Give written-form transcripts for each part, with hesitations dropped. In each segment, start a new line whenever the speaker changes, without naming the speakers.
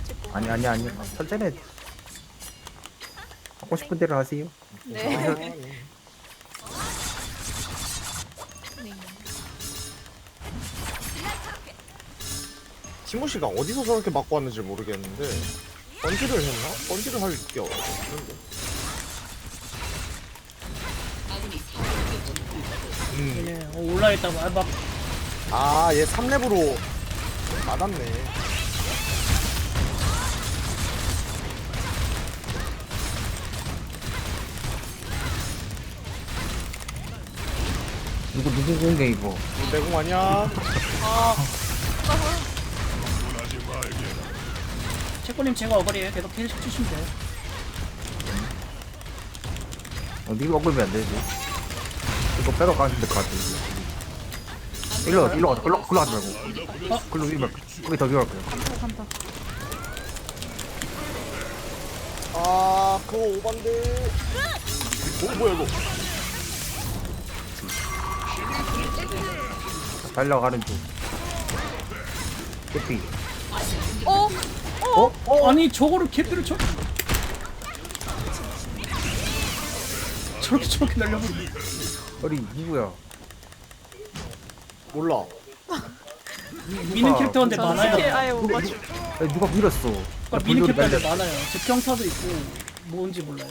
찍고.
아니 천천히 해. 하고 싶은 대로 하세요.
네.
아,
네.
티모 씨가 어디서 저렇게 맞고 왔는지 모르겠는데 번지를 했나? 번지를 할 게 없는데.
얘네 올라있다가 막
아, 얘 3렙으로 맞았네.
누구 공개 이거.
내공 아니야?
아,
채권님 제가 어거리에요. 계속 힐 치시면 돼요.
네가 먹으면 안 되지. 이거 빼러 가면 될 것 같아. 일로 가자. 글로 가지 말고. 글로 위로 말고. 거기 더 위로 갈게요.
간다.
아, 그거 오반데. 뭐야 이거?
달려가는 중. 캐피.
아니 저거를 개피를 저렇게 날려버리.
어리 누구야?
몰라.
미는 캐릭터인데
스킬
많아요.
아예 못 맞춰.
아니, 누가 밀었어?
그러니까 미는 캐릭터인데 많아요. 제평타도 있고 뭔지 몰라요.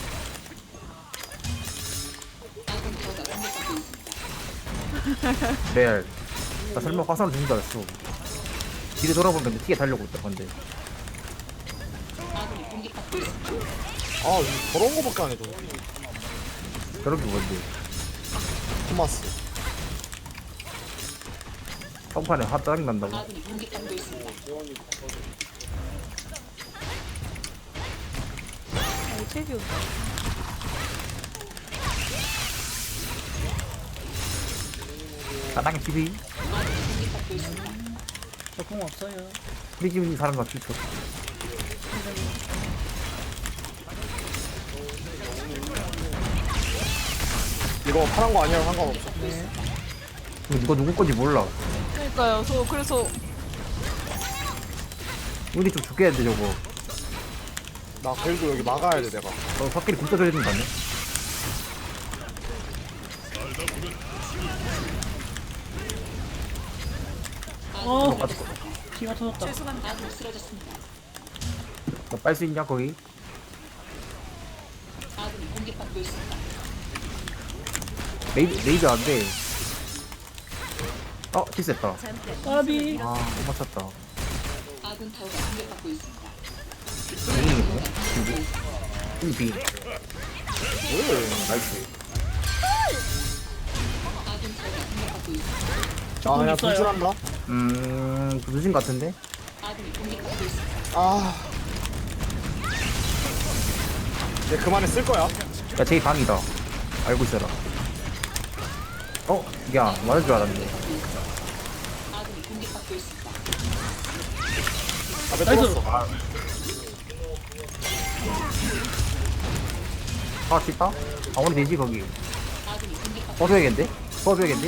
레알. 나 설마 화산을 죽는 줄 알았어. 뒤를 돌아보면 티에 달려고 있다 건데.
아, 저런 거밖에 안 해줘.
저렇게 뭔데?
토마스.
평판에 화 짜증 난다고.
책이 온다.
사당의 TV.
저 공 없어요.
우리 집 있는 사람 같을 쳐.
이거 파란 거 아니야 상관없어.
이거 누구 건지 몰라.
그러니까요. 그래서
우리 좀 죽게 해야 돼 저거.
나 그래도 여기 막아야 돼 내가.
확실히 굶떠 줘야 된다네.
피가 터졌다.
죄송합니다.
너빨 수 있냐 거기? 레이저 안 돼. 실수했다.
까비.
못 맞췄다.
아군 타워가 공격받고 있습니다.
이게 뭐야? 비.
왜?
나이스.
아군 타워가 공격받고 있습니다.
아, 그냥
있어요.
분출한다.
늦은 것 같은데?
아군이 공격받고 있습니다.
아. 얘 그만에 쓸 거야.
야, 제 방이다. 알고 있어라. 야, 맞을 줄 알았네.
아군이 공격받고 있습니다.
앞에
나이스.
뚫었어.
쉽다? 오늘 되지, 거기.
아군이 공격받고
써줘야겠는데? 써줘야겠는데?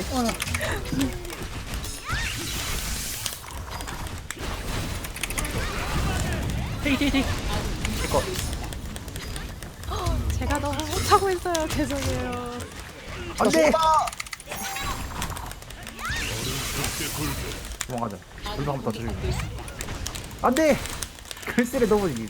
테이.
이거.
제가 너무 못하고 있어요. 죄송해요.
안 돼! 도망가자. 불도 한번 더 들고. 안 돼! 글쎄를 넘어지기.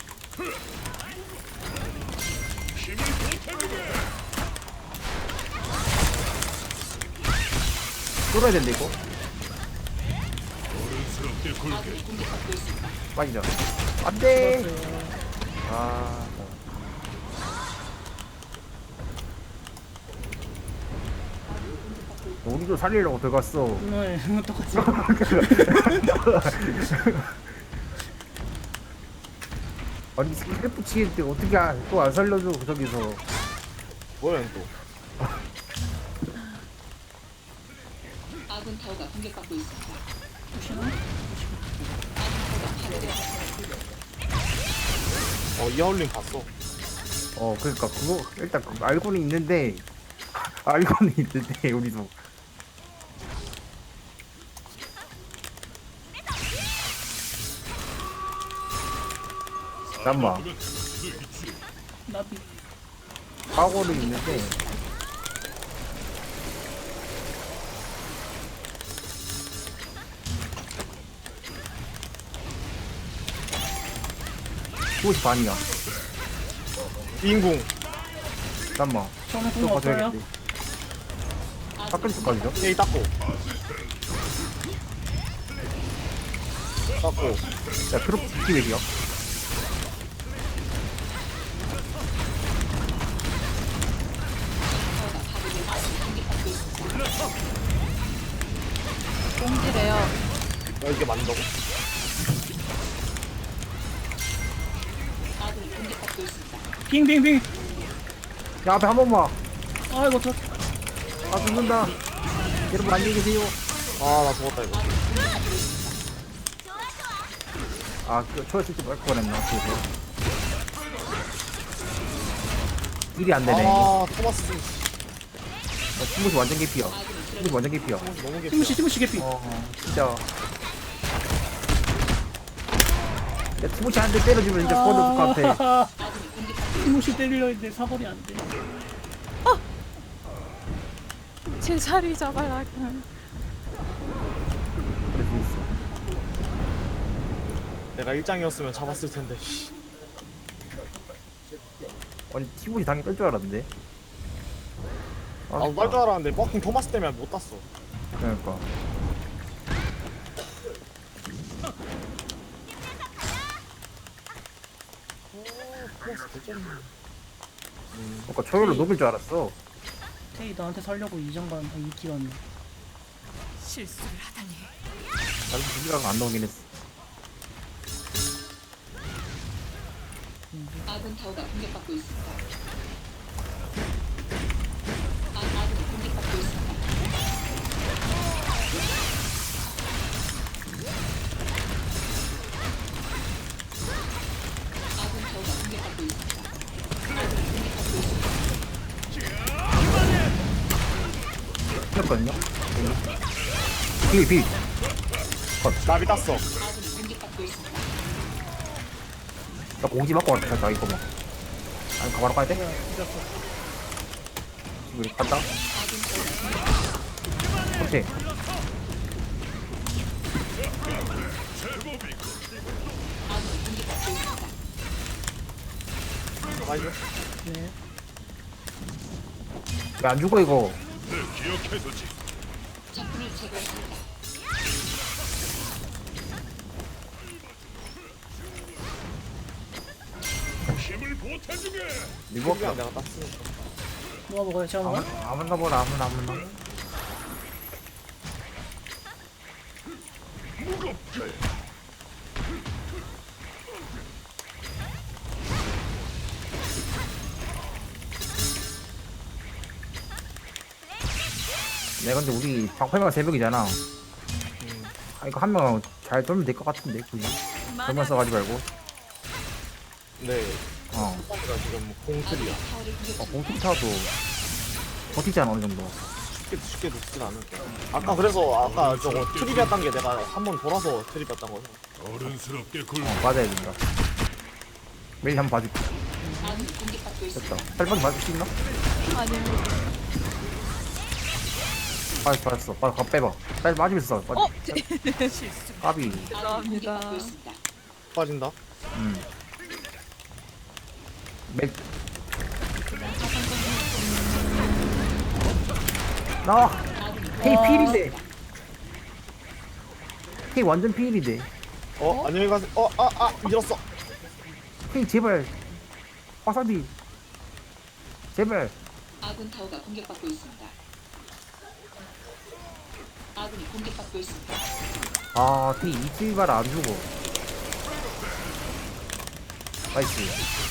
뚫어야 된다, 이거. 빠지자. 안 돼! 우리도 살리려고 들어갔어.
네, 똑같이.
아니 스크래프 치는데 어떻게 또 안 살려줘 저기서.
뭐야 얘 또.
아군 타워가 공격받고 있습니다.
이하울링 봤어.
그러니까 그거 일단 그거 알고는 있는데 우리도 잠깐만.
나비.
사고를 있는데. 그것이 반이야.
인궁.
잠깐만.
저는
또
공 없어요.
가져야겠지. 깎을 때까지죠?
에이 닦고. 닦고.
야, 트로피 기획이야.
공지래요.
야 이게 맞는다고?
아군이 공격받고 있습니다.
빙빙빙.
야, 앞에 한 번만.
아이고 저.
아, 죽는다. 여러분, 안녕히 계세요.
아 나 죽었다 이거.
아, 초에 쓸때 말뻔 했나, 그래서. 일이 안 되네.
아 토마스
친구시 완전 개피야. 친구시 완전 개피야.
너무 개피.
티무시 개피.
진짜. 야, 티모시 한 대 때려주면 진짜 뻗을 것 같아.
티무시 때리려 했는데 사거리 안 돼.
제 자리 잡아라.
그럴 수 있어.
내가 일장이었으면 잡았을 텐데. 씨.
아니, 티모시 당연히 뺄 줄 알았는데. 아,
나도 딸 줄 알았는데 버킹 토마스 때문에 못 땄어.
그러니까.
토마스 대전.
그러니까 초열로 녹일 줄 알았어.
테이 나한테 살려고 이장관 2티 왔네.
실수를 하다니.
나도 무기가 안 나오긴 했어.
아군 타워가 공격받고 있습니다. 아군이 공격받고 있습니다. 아군 타워가 공격받고 있습니다. 아군이 공격받고 있습니다.
했거든요. 비.
나비 땄어.
아군이 공격받고 있습니다.
나 공지 맞고 왔다, 자, 이거 뭐. 아니, 바로 가야 돼? 우리 간다. 오케이.
아군이 공격받고 있습니다.
나이스.
네.
왜 안 죽어, 이거?
적군을 제거했습니다.
이거
그냥 내가 땄으니까.
누가 먹어요? 제가 먹어요?
아무나 보라, 아무나. 내가 근데 우리 방패가 3명이잖아. 아, 이거 한 명 잘 돌면 될 것 같은데, 굳이. 돌만 써가지 말고.
네.
어.
토마스가 지금 공틀이야.
타워를 공격
공투 타도 버티잖아, 어느 정도.
쉽게 죽진 않을 거야. 아까 그래서 아까 저거 트립이었던 게 내가 한 번 돌아서 트립이었던 거죠.
맞아야 된다. 매일 한번 봐줄게.
아군이 공격받고 있습니다.
됐다. 살짝 맞을 수 있나?
아니면
받았어. 가 빼봐. 살 맞으면서 써.
어? 실수.
까비.
아군이
죄송합니다.
공격받고 있습니다.
빠진다.
맥. 나와. 헤이 필인데. 헤이 완전 필인데.
안녕히 가세요. 밀었어.
헤이 제발. 와사비. 제발.
아군 타워가 공격받고 있습니다. 아군이 공격받고 있습니다.
아, 헤이 이치발 안 주고. 나이스.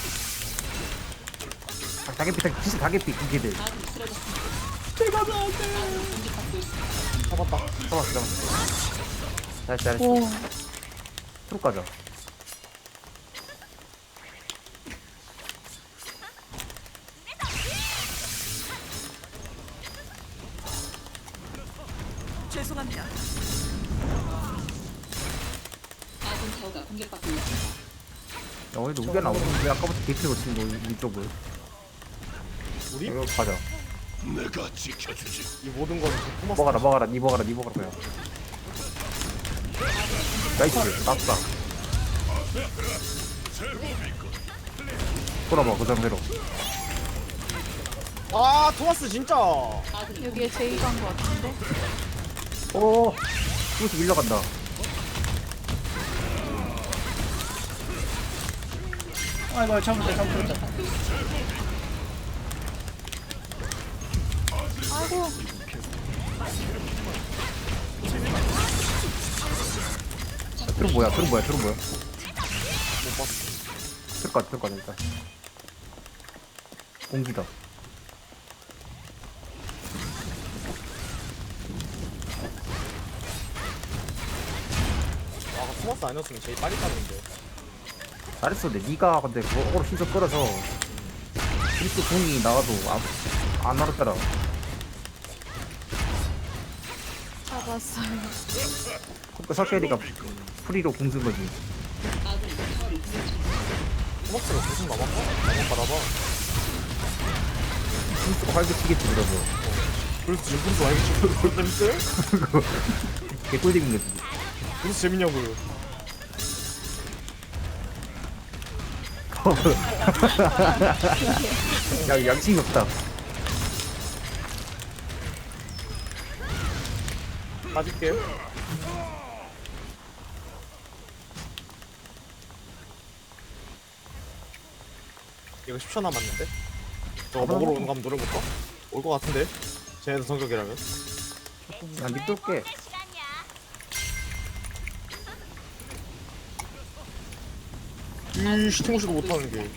다개피, 진짜 다개피, 그 걔들.
아군이 쓰러졌습니다.
제가 안 돼.
아군이 공격받고 있습니다.
잡았다.
잡았어. 잘했어.
오.
트로 가자.
죄송합니다.
아군 타워가 공격받고 있습니다.
오늘도 우겨 나오는데 아까부터 개피고 치는 거 우리 쪽을.
우리
이거 가자.
이 모든 건 토마스.
먹어라 니 먹어라 그냥. 나이스 낙사. 돌아봐 그 상태로.
아 토마스 진짜.
아군이
여기에 제이 간 거 같은데?
오 이것도 밀려간다.
아이고 잘못했다.
아이고.
트름 뭐야?
못 봤어.
들것 같아 일단. 공기다.
아 토마스 아니었으면 제일 빨리 가는데.
잘했어. 근데 니가 근데 그거로 힘써 끌어서 그리스 공이 나와도 안 알았더라.
잡았어요.
그러니까 설계리가 프리로 공쓴 거지.
아군이 타워를 공격 중.
토마스가 무슨 남았나? 남았나봐.
힘쓰고 활개치겠지 그러고.
그래서 지금 분수 알겠지? 그럴 재밌어요?
개꿀잼인 거지.
분수 재밌냐고요.
야 양심이 없다.
빠질게요. 이거 10초 남았는데? 저거 먹으러 오는 거 한번 노려볼까? 올 거 같은데? 쟤네들 성격이라면?
야 립돌게.
이 시팅호시도 못하는 게.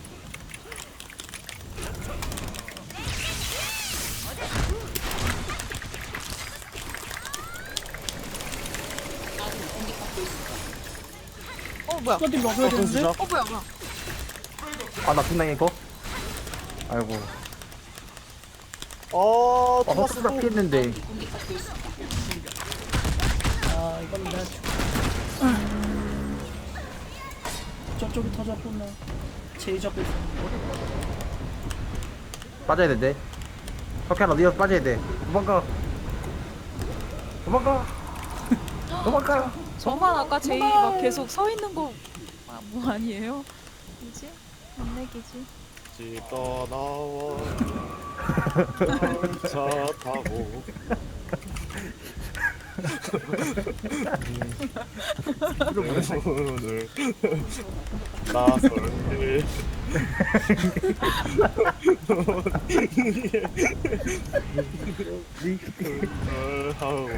아군이 공격받고 있습니다.
뭐야?
이거 좀 먹어야 되는데?
진짜?
뭐야?
아나 분당해 이거. 아이고.
토마스
헛수다 피했는데.
공격받고 있습니다.
아 이건 내가 저쪽이 터졌구나. 제이 잡고 있어.
빠져야 된대. 석현아 니가 빠져야 돼. 도망가.
저만 아까 제이 막 계속 서 있는 거 뭐 아니에요? 뭐지? 안 내기지.
집 떠나와 차 타고 오늘 나설게 하고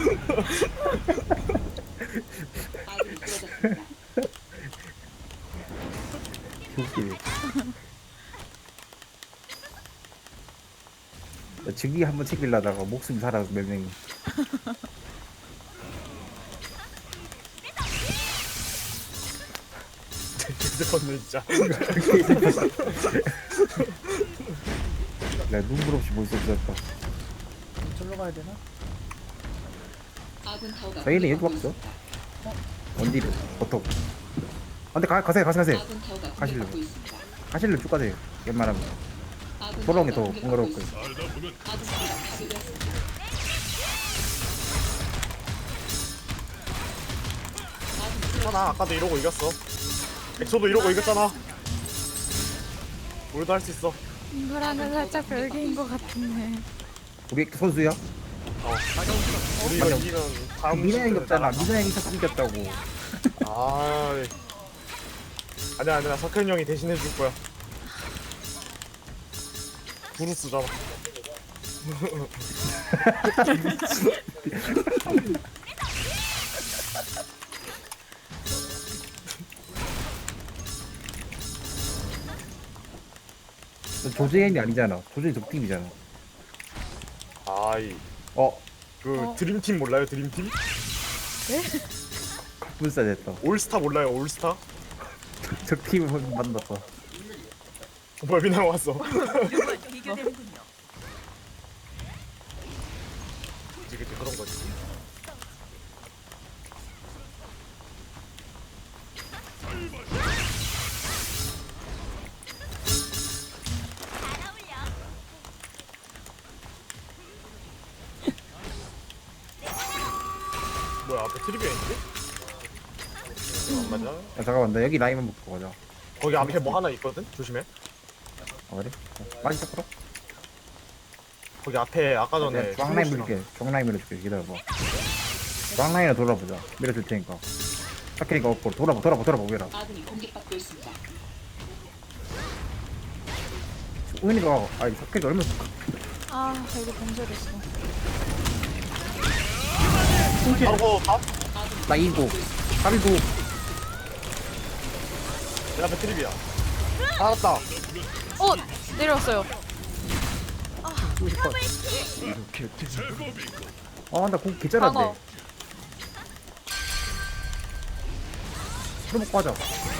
아군이 쓰러졌습니다.
웃기네. 나 증기 한번 챙기려다가 목숨 살아서 몇 명이.
휴대폰은 진짜
나 눈물 없이 볼 수 없었다.
절로 가야 되나?
아군 타워가
저희는 여기
공격받고
없어.
있습니다.
원딜은 보통. 근데 가세요.
아군 타워가
가실래요?
공격받고 있습니다.
가실래 쭉 가세요. 웬만하면
아군
돌아오는 게 더
타워가
번거로울
공격받고
거예요.
있습니다. 아군 타워가 파괴되었습니다.
괜찮아 아까도 이러고 이겼어 엑소도 이러고 이겼잖아 우리도 할 수 있어
이거랑은 살짝 별개인 것 같은데.
우리 선수야?
우리가
맞아.
이기면 다음
민호 형이
시즌에
없잖아.
나가.
민호 형이 자꾸 이겼다고.
아니야 석현이 형이 대신 해줄 거야 브루스잖아
조재현이 아니잖아. 조재현 적팀이잖아.
아이
어?
드림팀 몰라요 드림팀?
불사 됐다.
올스타 몰라요 올스타?
적팀을 만났다.
뭐야 미나랑 왔어
비교되는군요.
그치 그런 거지 앞에 트리비아 있는데? 안 맞아.
야, 잠깐만 나 여기 라인만 먹고 가자.
거기 앞에 뭐 하나 있거든? 조심해.
아 그래? 빨리 잡으러?
거기 앞에 아까 전에
내가 중앙 라인
티모시랑-
밀게. 중앙 라인 밀어줄게. 기다려봐. 중앙 라인으로 돌아보자. 밀어줄 테니까. 사케니까 없고 돌아봐 보게라.
아군이 공격받고 있습니다.
우연이가 아니 사케니까 얼마나
아 여기 봉쇄됐어.
바로 밥?
나 이고 사비고
내 앞에 트리비아. 알았다.
어 내려왔어요.
아나공 개잘한데.
방어.
술 먹고 하자.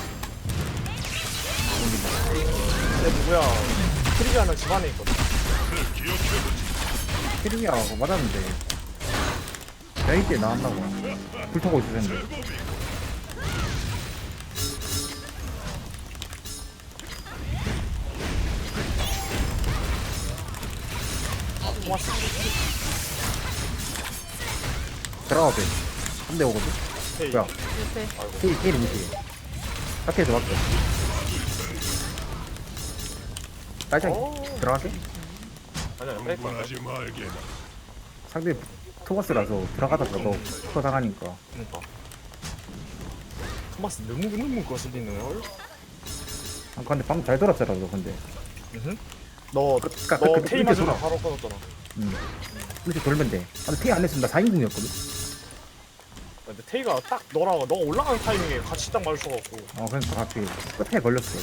내 누구야? 트리비아는 집 안에 있거든.
캐리미아 맞았는데. 야이 때 나왔나봐. 불 타고 있을 텐데.
토마스.
들어가 돼. 3대 5거든.
헤이.
뭐야?
옆에.
케리 무시. 사케에서 맞죠? 딸짝 들어갈게.
아니야, 뺄 거야.
상대 토마스라서 들어가다가 너 스커 당하니까.
그러니까. 토마스 너무 거슬리는 걸.
아, 근데 방금 잘 돌았잖아 너 근데.
너
그러니까
너
그
테이
밑에
맞으면
돌아.
바로 끊었잖아.
이렇게 돌면 돼. 아, 근데 테이 안 했으면 나 4인궁이었거든.
근데 테이가 딱 너가 올라가는 타이밍에 같이 딱 마주쳐갖고.
그러니까 갑자기 끝에 걸렸어.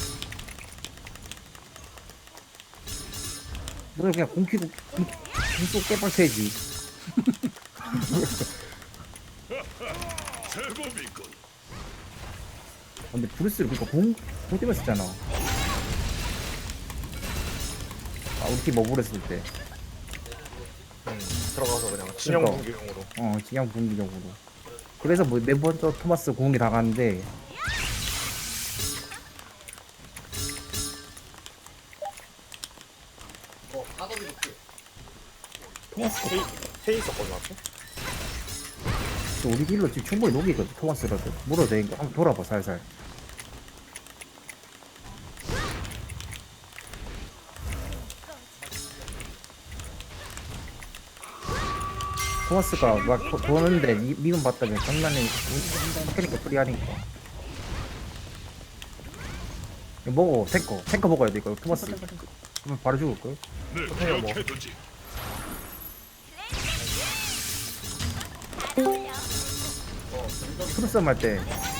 너는 그냥 공키고 공속 깨박혀야지. 근데 브루스를 그니까 공 때문에 썼잖아. 아 우리 팀 머블했을 때.
들어가서 그냥 진영
그러니까.
공격용으로.
진영 분기적으로. 그래서 뭐 네 번째 토마스 공이 나갔는데 토마스
테이 있었거든 앞에.
또 우리 길로 지금 충분히 녹이거든. 토마스라도 물어도 되니까 한번 돌아봐 살살. 토마스가 막 도는데 미군 봤다면 장난이 그러니까 프리하니까. 이거 먹어 탱커 먹어야 돼 이거 토마스. 그러면 바로 죽을걸?
그냥 뭐.
프로싸움 할때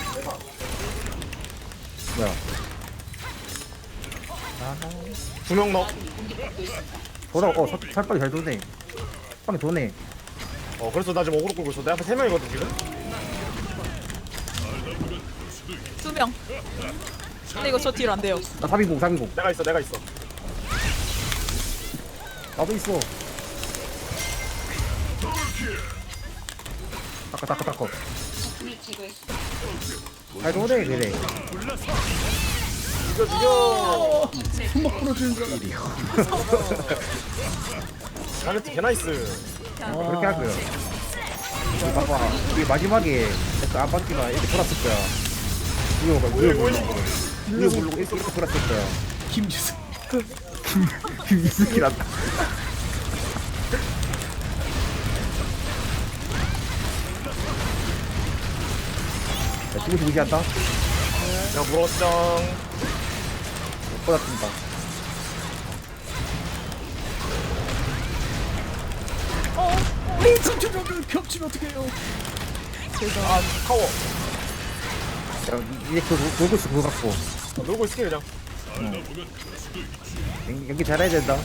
뭐야
2명 넣.
돌아 살빵이 잘 도네. 빵이 도네.
그래서 나 지금 어그로 끌고 있어. 내 앞에 3명이거든 지금.
2명. 근데 이거 저 딜 안 돼요.
나 3인공
내가 있어.
나도 있어. 닦아
적군을 제거했습니다.
잘 도네 그래.
죽여.
손목 부러지는 줄 알았어.
자네트 개나이스.
그렇게 할 거야. 봐봐 이게 마지막에 약간 안방기가 이렇게 돌았을 거야. 위에 물고 이렇게 돌았을 거야.
김지수.
김이스키란다. 야, 지금 무시한다?
야 물었짱.
못 받았습니다.
우리 천천히 겹치면 어떡해요.
아 타워.
야, 이제 놀고 있어, 그거 갖고.
놀고 있을게 그냥.
연기 잘해야 된다.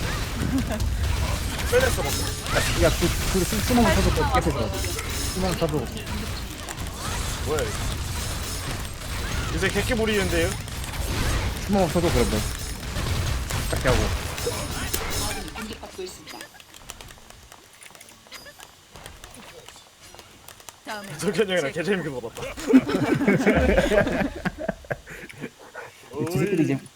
빼냈어 막.
야, 수만 쳐도 깨끗해. 수만 쳐도.
뭐야 이거. 요새 객기 부리는데요.
수만 쳐도 그러면. 딱 하고.
아군이 공격받고 있습니다.
다음에.
석현이 형이랑 개재밌게 놀았다.
지들끼리 이제